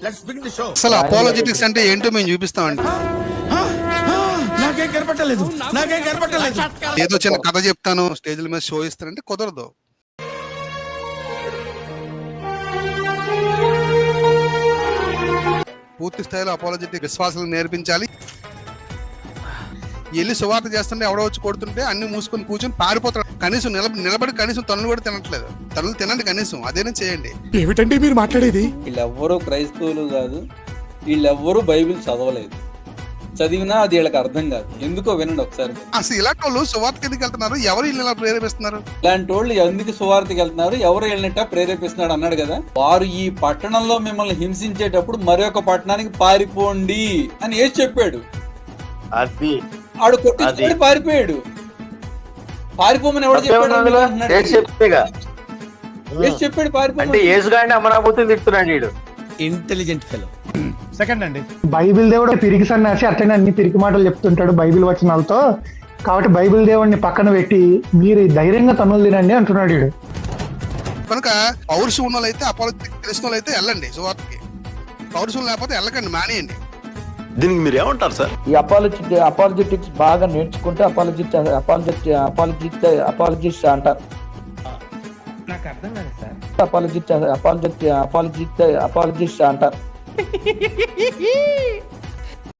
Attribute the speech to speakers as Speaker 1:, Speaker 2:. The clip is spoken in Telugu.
Speaker 1: Let's begin the show.
Speaker 2: అసలు అపాలజెటిక్స్ అంటే ఏంటో మేము చూపిస్తామండి.
Speaker 1: నాకేం కనపట్టలేదు.
Speaker 2: ఏదో చిన్న కథ చెప్తాను, స్టేజ్ల మీద షో ఇస్తానంటే కుదరదు. పూర్తి స్థాయిలో అపాలజెటిక్ విశ్వాసాలు నేర్పించాలి. వెళ్ళి సువార్త చేస్తుంటే ఎవడో వచ్చి కొడుతుంటే అన్ని మూసుకొని కూర్చొని పారిపోతాడు. కనీసం నిలబడి కనీసం తనులు కూడా తినట్లేదు. తనులు తినండి కనీసం, అదేనా చేయండి.
Speaker 3: ఏమిటండి మీరు మాట్లాడేది?
Speaker 4: వీళ్ళెవ్వరూ క్రైస్తవులు కాదు, వీళ్ళెవ్వరూ బైబిల్ చదవలేదు. చదివినా అది వీళ్ళకి అర్థం కాదు. ఎందుకో వినండి ఒకసారి.
Speaker 2: అసలు ఇలాంటి వాళ్ళు సువార్తకి ఎందుకు వెళ్తున్నారు? ఎవరు వీళ్ళు ఇలా ప్రేరేపిస్తున్నారు?
Speaker 4: ఇలాంటి వాళ్ళు ఎందుకు సువార్తకి వెళ్తున్నారు, ఎవరు వెళ్ళినట్ట ప్రేరేపిస్తున్నాడు అన్నాడు కదా. వారు ఈ పట్టణంలో మిమ్మల్ని హింసించేటప్పుడు మరొక పట్టణానికి పారిపోండి అని ఏసి చెప్పాడు.
Speaker 5: అది
Speaker 4: ఆడు కొట్టి పారిపోయాడు. పారిపోమని ఎవడు చెప్పాడు? చెప్పాడు పారిపో
Speaker 5: అంటే యేసుగాడిని అమరావతి తిడుతున్నాడు వీడు.
Speaker 1: Intelligent fellow.
Speaker 3: సెకండ్ అండి,
Speaker 6: బైబిల్ దేవుడు పిరికి సన్యాసి అట్లనే అన్ని పిరికి మాటలు చెప్తుంటాడు బైబిల్ వచనాలతో. కాబట్టి బైబిల్ దేవుడిని పక్కన పెట్టి మీరు ధైర్యంగా తన్నులు తినండి అంటున్నాడు వీడు.
Speaker 2: కనుక పౌరుషం ఉన్న వాళ్ళైతే అపాలజెటిక్ తెలిసిన వాళ్ళైతే వెళ్ళండి సువార్తకి. పౌరుషం లేకపోతే వెళ్ళకండి, మానేయండి.
Speaker 7: దీనికి మీరు ఏమంటారు సార్?
Speaker 8: ఈ అపాలజెటిక్స్ బాగా నేర్చుకుంటే అపాలజిస్ట్ అంటారు.
Speaker 3: నాకు అర్థం కాదు సార్.
Speaker 8: అపాలజిస్ట్ అంటారు.